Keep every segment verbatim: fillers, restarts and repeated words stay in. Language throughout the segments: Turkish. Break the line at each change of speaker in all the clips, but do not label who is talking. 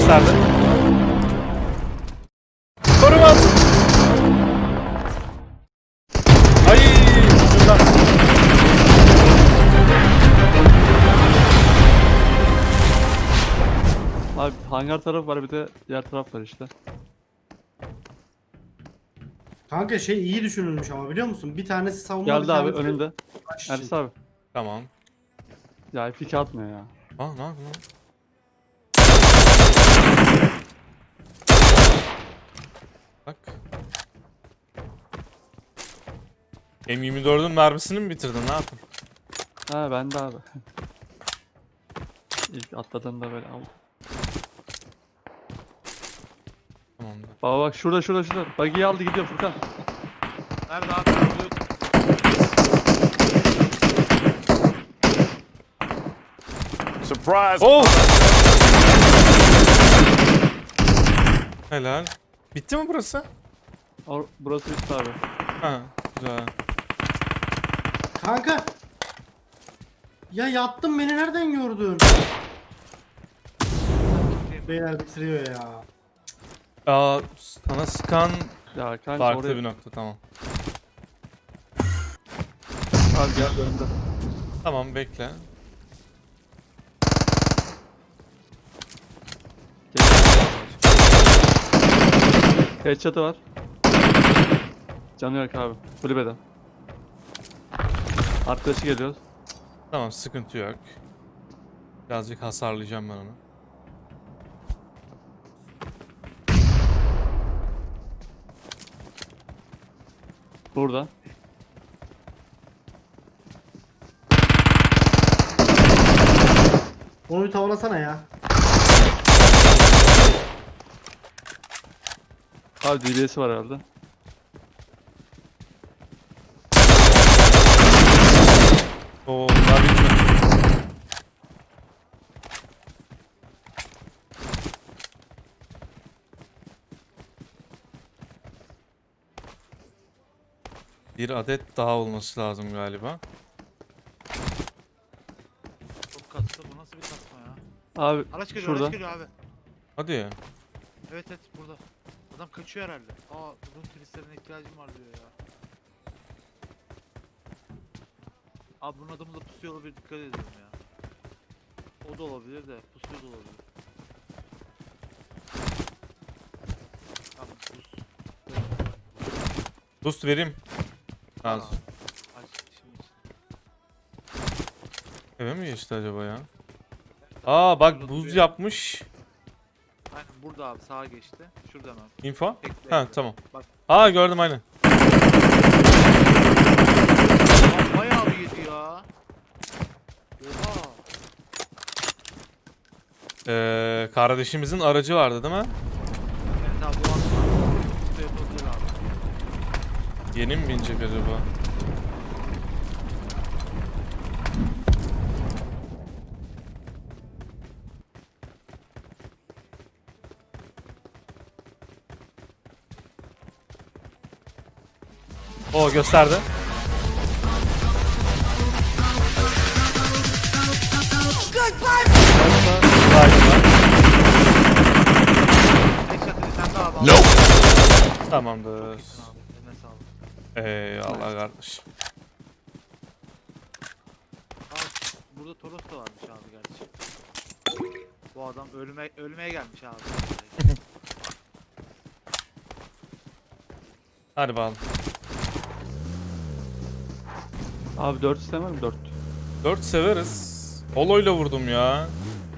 gösterdi. Korumaz. Ay şuradan.
Abi hangar tarafı var, bir de diğer taraf var işte.
Kanka şey iyi düşünülmüş ama biliyor musun? Bir tanesi savunma, bir
Geldi abi
tanesi
önünde.
baş için.
Ersin abi.
Tamam.
Ya F iki atmıyor ya.
Aa ne yapıyorsun lan? Bak. M yirmi dördün mermisini mi bitirdin? Ne yaptın?
Ha ben de abi. İlk atladığında böyle aldım.
Tamamdır.
Baba bak şurada şurada şurada. Buggy'yi aldı gidiyor Furkan.
Nerede abi? Oluyor.
Surprise!
Oh! Helal. Bitti mi burası?
Or burası bitti abi.
Ha, güzel.
Kanka. Ya yattım, beni nereden gördün? Beyler bitiriyor ya.
Aa, sana sıkan
Ya kanka
farklı
oraya.
bir nokta, tamam.
Abi gel önünde.
Tamam, bekle.
Headshot'ı var. Canı yok abi. Kulübeden. Arkadaşı geliyor.
Tamam, sıkıntı yok. Birazcık hasarlayacağım ben onu.
Burada.
Onu bir tavlasana ya.
Abi D B S'i var herhalde.
Oo, daha bitmedi. Bir adet daha olması lazım galiba.
Çok kastı. Bu nasıl bir kasma ya?
Abi
Araç geliyor,
şurada.
araç geliyor abi.
Hadi ya.
Evet evet burada. Adam kaçıyor herhalde. Aa bunun turistlerine ihtiyacım var diyor ya. Abi bunun adamı da pusuyor olabilir, dikkat edelim ya. O da olabilir de pusuyor da olabilir. Tamam pus.
Boost vereyim.
Al
Az.
abi. Aç şimdi için.
Eve mi geçti acaba ya? Aa bak, buz yapmış.
Aynen burada abi, sağa geçti. Şurada hemen.
Info.
Bekle,
Ha
bekle.
tamam.
Bak.
Aa gördüm aynen.
Aa, bayağı bir yedi ya. Oha.
Ee, kardeşimizin aracı vardı değil mi?
Evet abi bu aslında. Bu yapabilir abi.
Yeni mi binecek acaba? O gösterdi.
Headshot dedi, sen de abi. Nope.
Tamamdır.
Abi eline sağlık.
Eyvallah kardeşim.
Aa, burada Toros da varmış abi gerçi. Bu adam ölüme ölmeye gelmiş abi.
Hadi bakalım.
Abi dört istemem mi? dört.
dört severiz. Holo'yla vurdum ya.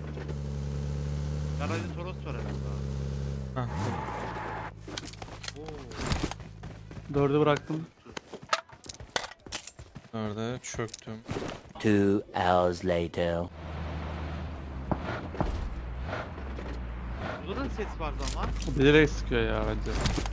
Garajda Toros var herhalde abi.
Hah.
Oo.
dördü bıraktım.
Nerede? Çöktüm.
Two hours later.
Burada da ses vardı ama.
Bilerek sıkıyor ya bence.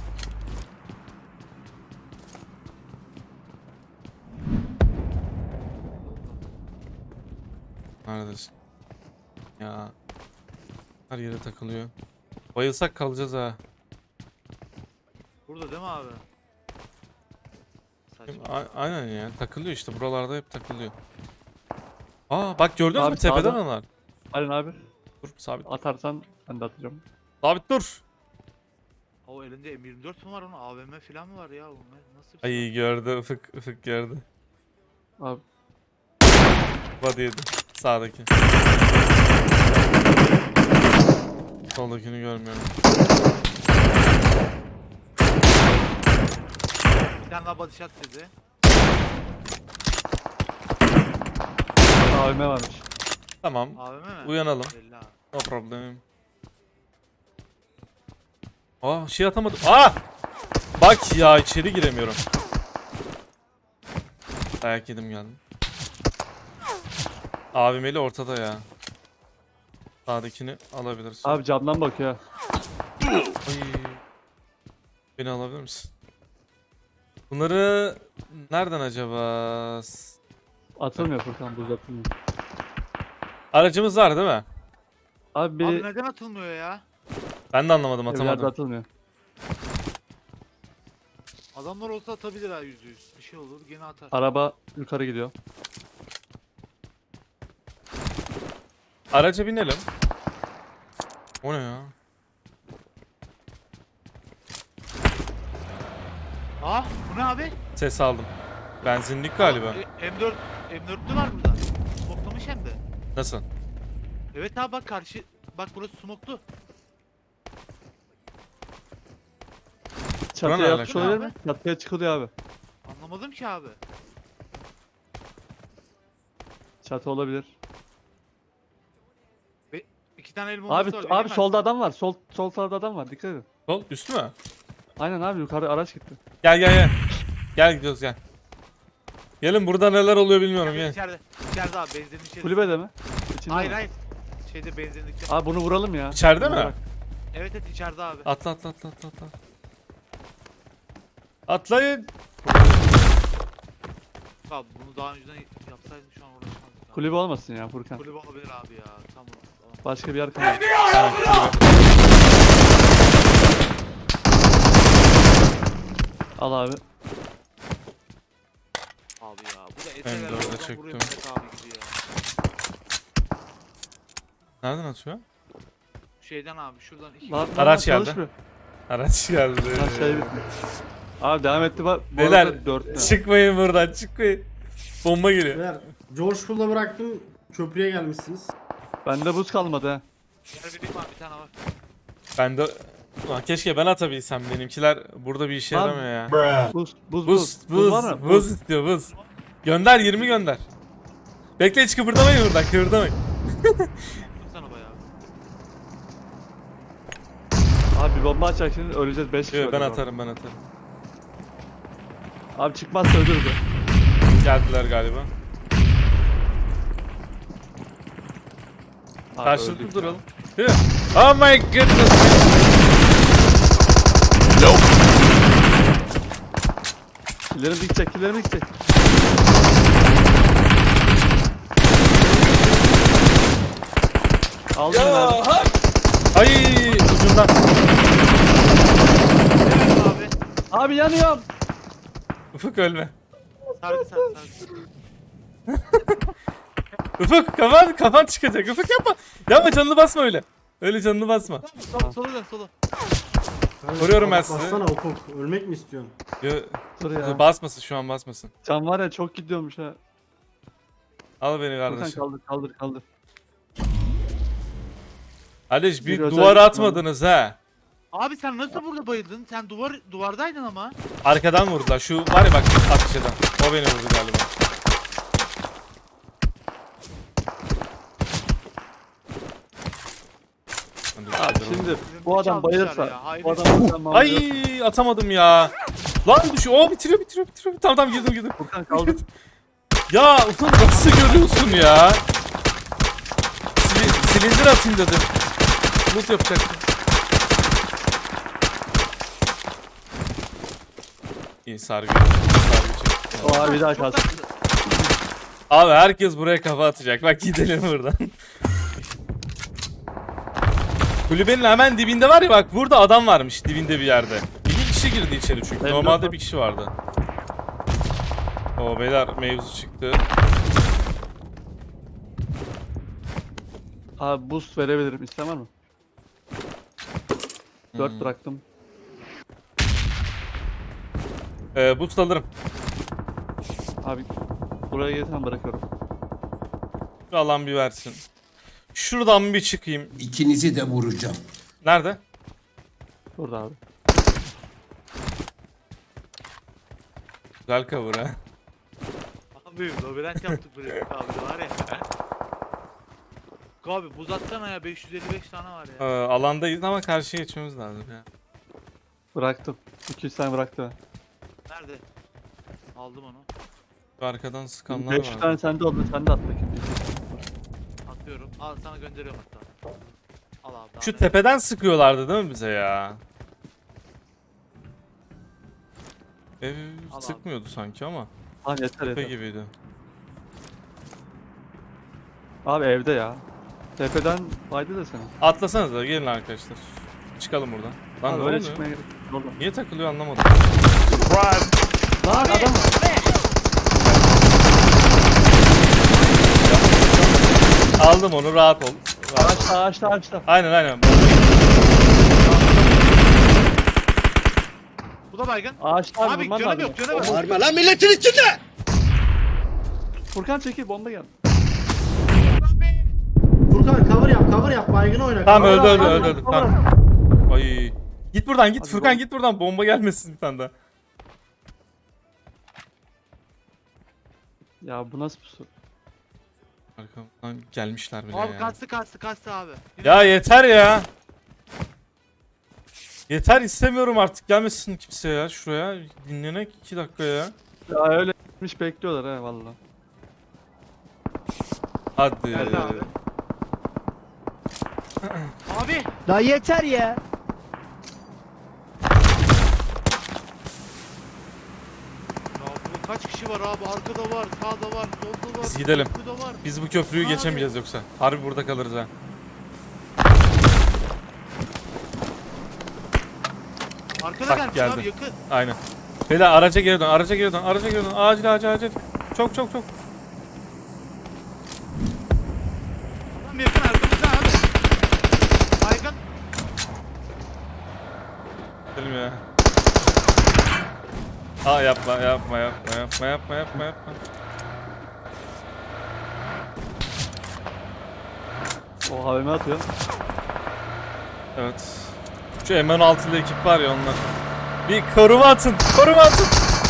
Neredesin? Ya. Her yere takılıyor. Bayılsak kalacağız ha.
Burada değil mi abi? Saçma.
A- aynen ya. Takılıyor işte. Buralarda hep takılıyor. Aa bak gördünüz
Abi
mü tepeden
sağda.
onlar?
Aynen abi.
Dur sabit.
Atarsan ben de atacağım.
Sabit dur.
O elinde M yirmi dört mü var onun? A V M falan mı var ya? Bu ne- Nasıl bir şey?
Ay gördü ıfık ıfık gördü.
Abi
Body yedi. Sağdaki. Soldakini görmüyorum.
Bir tane daha body shot dedi.
A V M varmış.
Tamam.
A V M mi?
Uyanalım.
Belli abi.
No problem. Aa şey atamadım. Aa! Bak ya içeri giremiyorum. Dayak yedim geldim. Abimeli ortada ya. Sağdakini alabilirsin.
Abi camdan bakıyor.
Ay. Beni alabilir misin? Bunları nereden acaba? S-
Atılmıyor Furkan, buz atılmıyor.
Aracımız var değil mi?
Abi bir
Abi neden atılmıyor ya?
Ben de anlamadım,
evlerde
atamadım.
atılmıyor.
Adamlar olsa atabilir ha yüzde yüz. Bir şey olur gene atar.
Araba yukarı gidiyor.
Araca binelim. O ne ya?
Ah bu ne abi?
Ses aldım. Benzinlik galiba.
E, M dört M dörtlü var burada. Smoklamış hem de.
Nasıl?
Evet abi bak karşı. Bak burası smoklu.
Çatıya
alaka?
yapmış olabilir
Abi.
mi? Çatıya çıkılıyor abi.
Anlamadım ki abi.
Çatı olabilir.
İki tane el
Abi
bombası var.
abi
bilemezsin.
solda adam var. Sol sol tarafta adam var. Dikkat edin.
Sol üstü mü?
Aynen abi, yukarı araç gitti.
Gel gel gel. Gel gidiyoruz gel. Gelin burada neler oluyor bilmiyorum
İçeride,
gel.
içeride. İçeride abi benzinin içeride.
Kulübede mi? İçinde
Hayır
mi?
hayır. Şeyde benzinlikte.
Abi bunu vuralım ya.
İçeride
Bunu
mi?
bırak.
Evet evet içeride abi.
Atla atla atla atla atla. Atlayın.
Abi bunu daha önceden yapsaydım şu an uğraşmazdık. abi.
Kulübe olmasın ya Furkan.
Kulübe olabilir abi ya. Tamam. tamam.
Başka bir yer kalmadı.
Tamam, kulübe.
Al abi.
Abi ya. Bu da
Ben
eseler
de orada
oradan
çektim.
vuruyor Mehmet abi gibi ya.
Nereden atıyor?
Şeyden abi şuradan iki.
Lan, lan,
Araç
lan,
geldi.
çalışmıyor.
Araç geldi.
Lan şey bitti. Abi devam etti bak. Bu
Beyler
arada dört.
çıkmayın buradan çıkmayın. Bomba geliyor.
Beyler George Pool'da bıraktım. Köprüye gelmişsiniz.
Bende buz kalmadı ha.
Yer vereyim abi bir tane var.
Ben de Ulan keşke ben atabilsem, benimkiler burada bir işe
Lan.
yaramıyor ya.
Buz buz buz.
Buz buz
var mı?
buz istiyor buz. Gönder yirmi gönder. Bekle hiç kıpırdamayın buradan, kıpırdamayın.
Attım sana bayağı.
Abi bir bomba açacak şimdi, öleceğiz beş kişi.
Yok, ben
öldü
atarım ben atarım.
bu. Abi çıkmazsa ölürüz.
Geldiler galiba.
Abi
Karşılıklı
öldük.
duralım. Değil mi? Oh my goodness.
Killerimi dikecek, killerimi dikecek. Aldım ya.
Ay ucundan.
Evet abi.
Abi yanıyorum.
Ufuk ölme.
Sardı sardı sardı.
Ufuk kafan kafan çıkacak. Ufuk yapma. Yapma, canını basma öyle. Öyle canını basma.
Sola sola dön sola.
Vuruyorum ben
Bak,
sizi.
Bassana Ufuk. Ölmek mi istiyorsun?
Yo,
Dur ya.
basmasın şu an, basmasın.
Can var ya, çok gidiyormuş ha.
Al beni
Furkan
kardeşim.
kaldır kaldır kaldır.
Aleş bir
Bir özel
duvar
gitmem.
atmadınız ha.
Abi sen nasıl burada bayıldın? Sen duvar duvardaydın ama.
Arkadan vurdular. Şu var ya bak, atış eden. O beni vurdu galiba.
Abi şimdi bu adam
Çalmışlar
bayılırsa,
ya, hayret.
bu adam buradan
Ay atamadım ya. Lan düşüyor. Oo bitiriyor bitiriyor bitiriyor. Tamam tamam girdim girdim.
Furkan kaldır.
Ya ulan nasıl görüyorsun ya? Sil- silindir atayım dedim. Loot yapacaktım. İyi sargı. Sargı çek.
O abi bir daha
Çok
kalsın.
tatlı.
Abi herkes buraya kafa atacak. Bak gidelim buradan. Kulübenin hemen dibinde var ya, bak burada adam varmış dibinde bir yerde. Bir kişi girdi içeri çünkü.
Ben
Normalde
yok.
bir kişi vardı. O beyler mevzu çıktı.
Abi boost verebilirim. İsteyen var mı? dört
Hmm.
bıraktım.
Ee, boost alırım.
Abi buraya gelirsen bırakıyorum.
Şu alan bir versin. Şuradan bir çıkayım.
İkinizi de vuracağım.
Nerede?
Burada abi.
Güzel cover ha.
Abi labirent yaptık buraya abi var ya. Abi buz atsana ya beş yüz elli beş tane var
Ee,
ya.
alandayız ama karşıya geçmemiz lazım ya.
Bıraktım. iki yüz tane bıraktı.
Nerede? Aldım onu.
Şu arkadan sıkanlar
beş yüz
var.
tane sende oldu. Sen de at bakayım.
Atıyorum. Al sana gönderiyorum hatta. Al abi.
Şu
daha ne-
tepeden sıkıyorlardı değil mi bize ya? Ev
Al abi.
sıkmıyordu sanki ama.
Abi yeter
Tepe
yeter.
gibiydi.
Abi evde ya. Tepeden fayda da sana.
Atlasanıza gelin arkadaşlar. Çıkalım buradan. Lan
Abi
ne
öyle
oluyor?
çıkmaya gerek yok. Oradan.
Niye takılıyor anlamadım.
Lan adam var.
Aldım onu rahat ol. Rahat ol.
Ağaçta ağaçta ağaçta.
Aynen aynen.
Bu da baygın.
Ağaçta abi,
Abi
vurman
canım
lazım.
yok canım yok.
Bağırma lan milletin içinde!
Furkan çekil bomba gel.
Furkan cover yap cover yap baygını oyna.
Tamam
cover
öldü
yap,
öldü
cover
öldü
yap,
öldü.
cover.
Tamam. Ay. Git buradan git
Hadi
Furkan
bom-
git buradan bomba gelmesin bir tane daha.
Ya bu nasıl pusu?
Arkamdan gelmişler bile
Abi
ya.
kastı kastı kastı abi.
Ya yeter ya. Yeter istemiyorum artık gelmesin kimse ya şuraya. Dinlenek iki dakika ya.
Ya öyle gitmiş bekliyorlar ha valla.
Hadi.
Geldi abi. Abi.
La yeter ya.
Ya bu kaç kişi var abi? Arkada var, sağda var, solda var.
Biz gidelim.
Burada var.
Biz bu köprüyü
Abi.
geçemeyeceğiz yoksa. Harbi burada kalırız ha.
Arkada
Bak,
gelmiş
geldi.
abi yakın.
Aynen. Beyler araca geri dön, araca geri dön, araca geri dön. Acil acil acil. Çok çok çok.
Tam yakın arkamızda abi. Baygın.
Gidelim ya. Aa yapma yapma yapma yapma yapma yapma yapma.
O havime atıyor.
Evet. Şu M on altılı ekip var ya onlar. Bir koruma atın, koruma atın.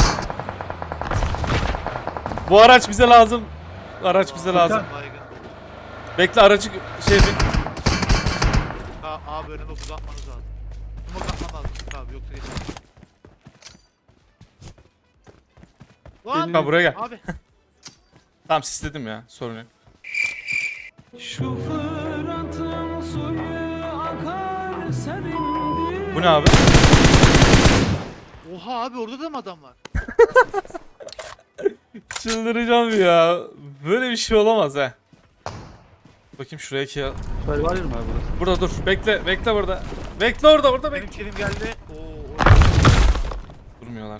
Bu araç bize lazım. Araç bize lazım.
Baygın.
Bekle aracı şey bir...
Ha, abi önüme buz atmanız lazım. Smoke atman lazım abi yoksa geçemez. Lan!
Ha, buraya gel.
Abi.
Tamam sisledim ya sorun yok. Bu ne abi?
Oha abi orada da mı adam var?
Çıldıracağım ya. Böyle bir şey olamaz ha. Bakayım şuraya ki.
Şöyle var ya abi burası.
Burada dur. Bekle. Bekle burada. Bekle orada. Orada bekle.
Benim kilim geldi. Oo, orada.
Durmuyorlar.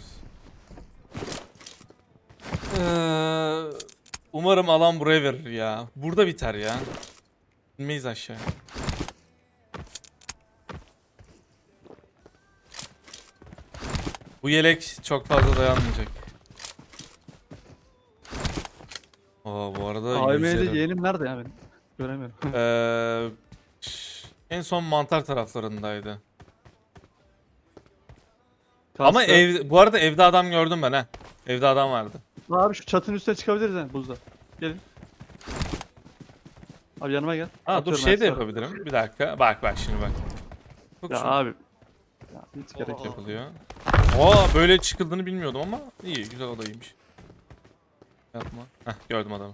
Ee, umarım alan buraya verir ya. Burada biter ya. İnmeyiz aşağı. Bu yelek çok fazla dayanmayacak. Aa bu arada
A V M'de
yüzerim.
yeğenim nerede ya benim? Göremiyorum.
Ee, en son mantar taraflarındaydı. Ama
Kastı.
ev bu arada evde adam gördüm ben ha. Evde adam vardı.
Abi şu çatının üstüne çıkabiliriz ha buzda. Gelin. Abi yanıma gel.
Ha dur
Atıyorum
şey de
ben
yapabilirim. Bir dakika. Bak bak şimdi bak. Bak
Ya
şu
abi. Ya hiç gerek yok.
yapılıyor. Aa böyle çıkıldığını bilmiyordum ama iyi güzel o da iyiymiş. Yapma. Heh gördüm adamı.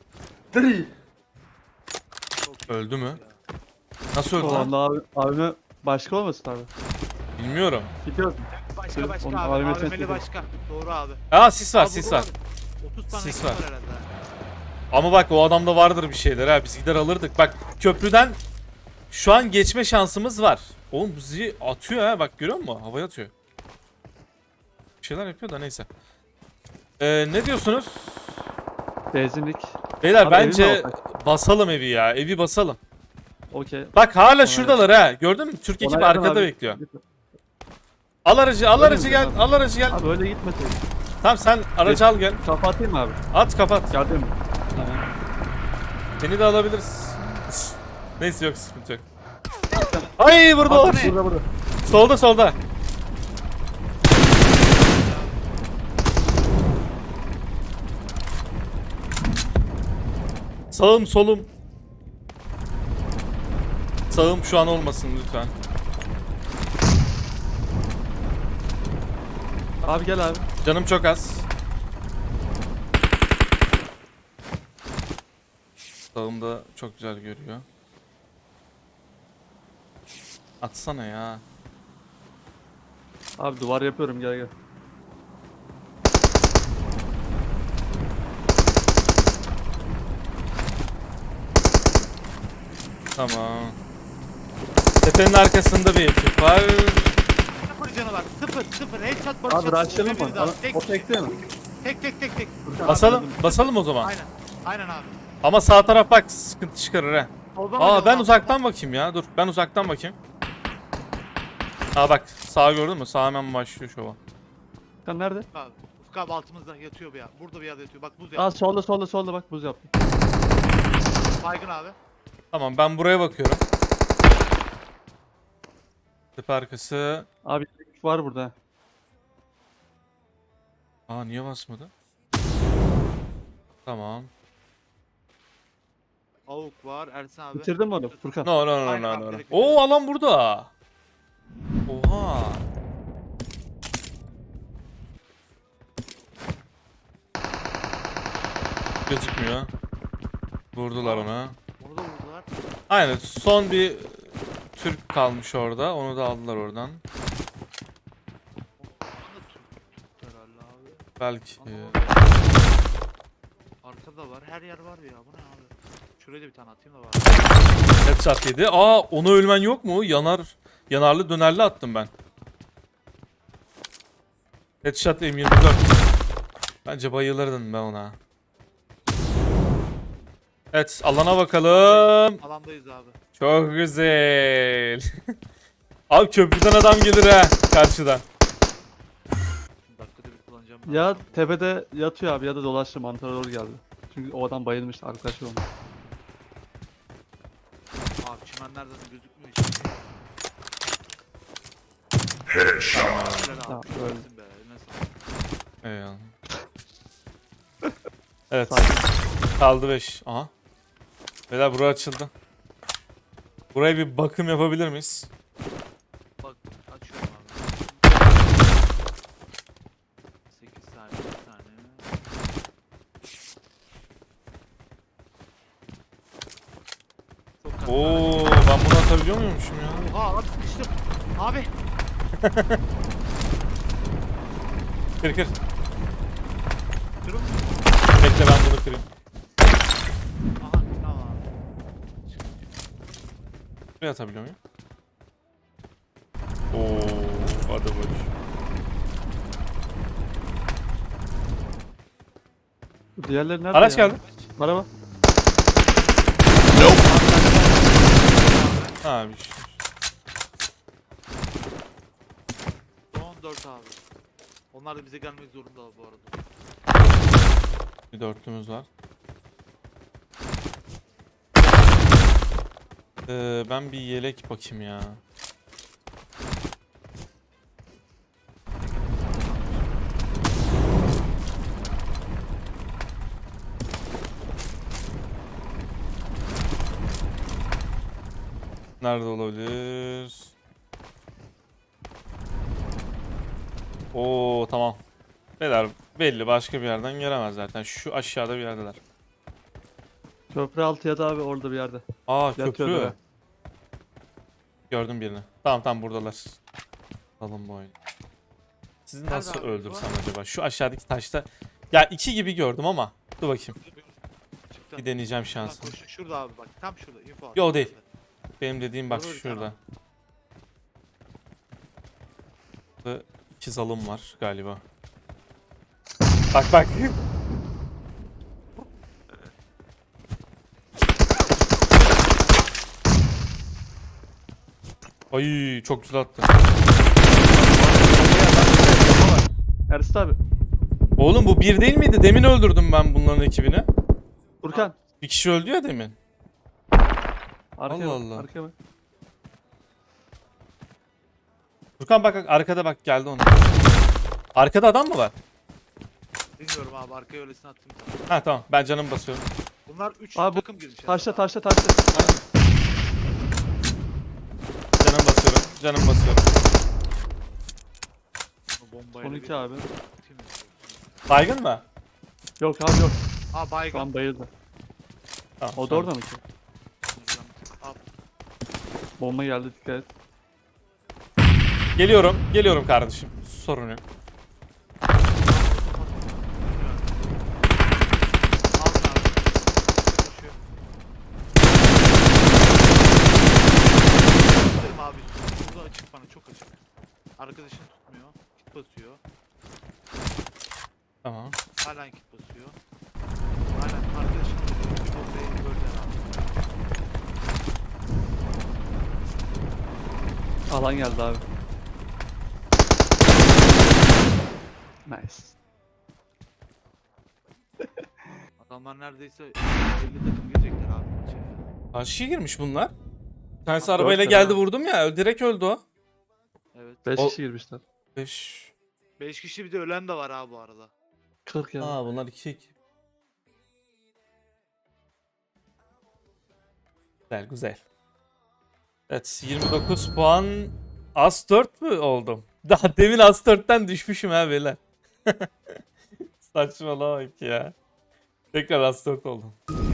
Öldü mü? Nasıl öldü
O
lan?
anda abi, abime başka olmasın abi.
Bilmiyorum.
Gidiyoruz.
Başka başka
Onun
abi.
A V M
A V M'li
testi.
başka. Doğru abi.
Aa sis var
Abi
sis
burada
var.
otuz tane
Sis
ekip
var.
var herhalde.
Ama bak o adamda vardır bir şeyler ha. Biz gider alırdık. Bak köprüden şu an geçme şansımız var. Oğlum bizi atıyor ha. Bak görüyor musun? Havaya atıyor. Bir şeyler yapıyor da neyse. Ee, ne diyorsunuz?
Benzinlik.
Beyler
Abi evin
bence
mi alsak?
basalım evi ya. Evi basalım.
Okey.
Bak hala
Ona
şuradalar ha. Gördün mü? Türk ekip
Ona yakın
arkada
abi.
bekliyor. Al aracı, al
Öyle
aracı
mi
gel.
abi?
Al aracı gel.
Abi öyle gitmesin.
Tamam sen aracı al gel.
Kafa atayım mı abi?
At kapat.
Geldim. Tamam.
Seni de alabiliriz. Neyse yok sıkıntı yok. Ay burada var.
Burada burada.
Solda solda. Sağım solum. Sağım şu an olmasın lütfen.
Abi gel abi.
Canım çok az. Sağım da çok güzel görüyor. Atsana ya.
Abi duvar yapıyorum gel gel.
Tamam. Tepenin arkasında bir ekip var.
Sıfır canı var. Sıfır sıfır. Headshot barış
Abi
atıyor.
rushlayalım mı?
Öbürü de var.
Ana-
Tek
O tekte mi?
tek tek tek tek.
Basalım, basalım o zaman.
Aynen. Aynen abi.
Ama sağ taraf bak sıkıntı çıkarır ha.
Soldan
Aa
oynayalım
ben
abi.
uzaktan bakayım ya. Dur ben uzaktan bakayım. Aa bak sağ gördün mü? Sağ hemen başlıyor şova.
Sen nerede?
Abi. Ufuk abi altımızda yatıyor bir yer. Burada bir yerde yatıyor. Bak buz yaptı.
Aa solda solda solda bak buz yaptım.
Baygın abi.
Tamam ben buraya bakıyorum. Tepe arkası.
Abi güç var burada.
Aa niye basmadı? Tamam.
Avuk var. Ersin abi.
Bitirdin mi onu Furkan?
No no no
Aynen
no
abi,
no.
direkt
Oo alan burada. Oha. Gözükmüyor. Vurdular ona.
Onu da vurdular.
Aynen son bir Türk kalmış orada. Onu da aldılar oradan.
Onu da Türk herhalde abi.
Belki.
Anlamadım. Arkada var. Her yer var ya. Bu ne abi? Şuraya da bir tane atayım da var.
Headshot yedi. Aa onu ölmen yok mu? Yanar. Yanarlı dönerli attım ben. Headshot M yirmi dört. Bence bayılırdın ben ona. Evet alana bakalım.
Alandayız abi.
Çok güzel. Abi köprüden adam gelir ha karşıdan.
Şimdi dakikada bir kullanacağım.
Ya tepede yatıyor abi ya da dolaştı mantara doğru geldi. Çünkü o adam bayılmıştı arkadaşı olmuş.
Abi çimenlerden de gözükmüyor hiç. Headshot.
Tamam, öyle.
Be, eline sağlık.
Eyvallah. Evet.
Sakin.
Kaldı beş. Aha. Beyler bura açıldı. Buraya bir bakım yapabilir miyiz?
Bak açıyorum abi. sekiz saniye bir tane. Çok katlı.
Oo, ben bunu atabiliyor muymuşum ya?
Oha abi sıkıştım. Abi.
Kır kır.
Durun.
Bekle ben bunu kırayım.
Aha tamam abi.
Buraya atabiliyor muyum? Oo, hadi baş.
Bu diğerleri nerede
Araç
ya?
geldi.
Araba.
Ha bir şey.
on dört abi. Onlar da bize gelmek zorunda bu arada.
Bir dörtlümüz var. Ee, ben bir yelek bakayım ya. Nerede olabilir? Oo tamam. Beyler belli başka bir yerden gelemez zaten. Şu aşağıda bir yerdeler.
Köprü altı ya da abi orada bir yerde.
Aa
Yatıyor
köprü.
böyle.
Gördüm birini. Tamam tamam buradalar. Alın bu oyunu. Sizi
Nerede
nasıl
abi bu?
öldürsem acaba? Şu aşağıdaki taşta. Ya iki gibi gördüm ama. Dur bakayım.
Çıktı.
Bir deneyeceğim
Bak,
şansımı.
koş- Şurada abi bak tam şurada info abi.
Yo, değil. Benim dediğim bak
Burada bir tane
şurada. Burada iki zalım var galiba. Bak bak. Ay çok güzel attı.
Ersin abi.
Oğlum bu bir değil miydi? Demin öldürdüm ben bunların ekibini.
Furkan.
Bir kişi öldü ya demin.
Arkaya
Allah
bak,
Allah.
Arkaya bak.
Furkan bak arkada bak geldi ona. Arkada adam mı var?
Bilmiyorum abi arkaya öylesine attım sana.
Ha tamam ben canım basıyorum.
Bunlar üç
Abi bu
takım girmiş.
Taşla
herhalde.
taşla taşla.
Canım basıyorum. Canım basıyorum.
Bu bombayla
Son
bir
iki abi.
atayım mı?
Baygın mı?
Yok abi yok.
Aa
Şu
baygın.
an bayıldı.
Tamam.
O da
tamam.
orada mı ki?
Al.
Bomba geldi, dikkat et.
Geliyorum. Geliyorum kardeşim. Sorun yok.
Aldın abi. Koşuyor. Tutayım abi. Burada açık bana çok açık. Arkadaşın tutmuyor. Kit basıyor.
Tamam.
Halen kit basıyor. Halen arkadaşın tutuyor. Bir bombayı gördüler abi.
Alan geldi abi. Nice.
Adamlar neredeyse elli takım girecekler abi. içeri.
Karşıya girmiş bunlar. Bir tanesi
Dört
arabayla
tane
geldi
var.
vurdum ya. Direkt öldü o.
Evet.
beş
O-
kişi girmişler.
beş.
beş kişi bir de ölen de var abi bu arada.
kırk ya.
Aa bunlar iki iki. Güzel güzel. Evet yirmi dokuz puan. As dört mü oldum? Daha demin As dörtten düşmüşüm ha beyler. Saçmalama bak ya. Tekrar As dört oldum.